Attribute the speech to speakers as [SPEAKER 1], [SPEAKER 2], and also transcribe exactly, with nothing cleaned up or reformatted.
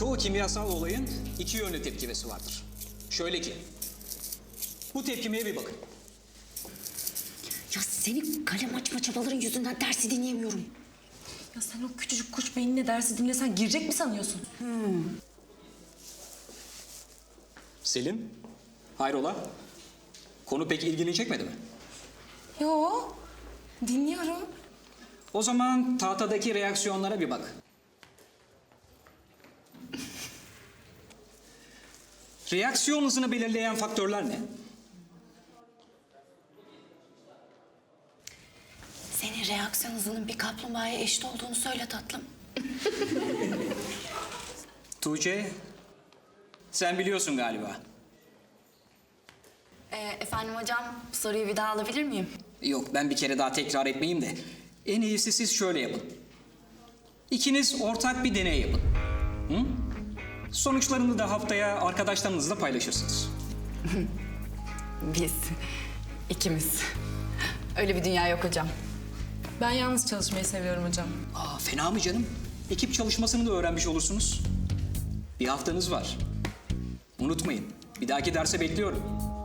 [SPEAKER 1] Çoğu kimyasal olayın iki yönlü tepkimesi vardır. Şöyle ki, bu tepkimeye bir bakın.
[SPEAKER 2] Ya senin kalem açma çabaların yüzünden dersi dinleyemiyorum.
[SPEAKER 3] Ya sen o küçücük kuş beyninle dersi dinlesen girecek mi sanıyorsun?
[SPEAKER 2] Hmm.
[SPEAKER 1] Selim, hayrola? Konu pek ilgini çekmedi mi?
[SPEAKER 3] Yo, dinliyorum.
[SPEAKER 1] O zaman tahtadaki reaksiyonlara bir bak. Reaksiyon hızını belirleyen faktörler ne?
[SPEAKER 2] Senin reaksiyon hızının bir kaplumbağaya eşit olduğunu söyle tatlım.
[SPEAKER 1] Tuğçe, sen biliyorsun galiba.
[SPEAKER 2] Ee, efendim hocam, soruyu bir daha alabilir miyim?
[SPEAKER 1] Yok, ben bir kere daha tekrar etmeyeyim de. En iyisi siz şöyle yapın. İkiniz ortak bir deney yapın. Hı? Sonuçlarını da haftaya arkadaşlarınızla paylaşırsınız.
[SPEAKER 2] Biz, ikimiz. Öyle bir dünya yok hocam.
[SPEAKER 3] Ben yalnız çalışmayı seviyorum hocam.
[SPEAKER 1] Aa, fena mı canım? Ekip çalışmasını da öğrenmiş olursunuz. Bir haftanız var. Unutmayın, bir dahaki derse bekliyorum.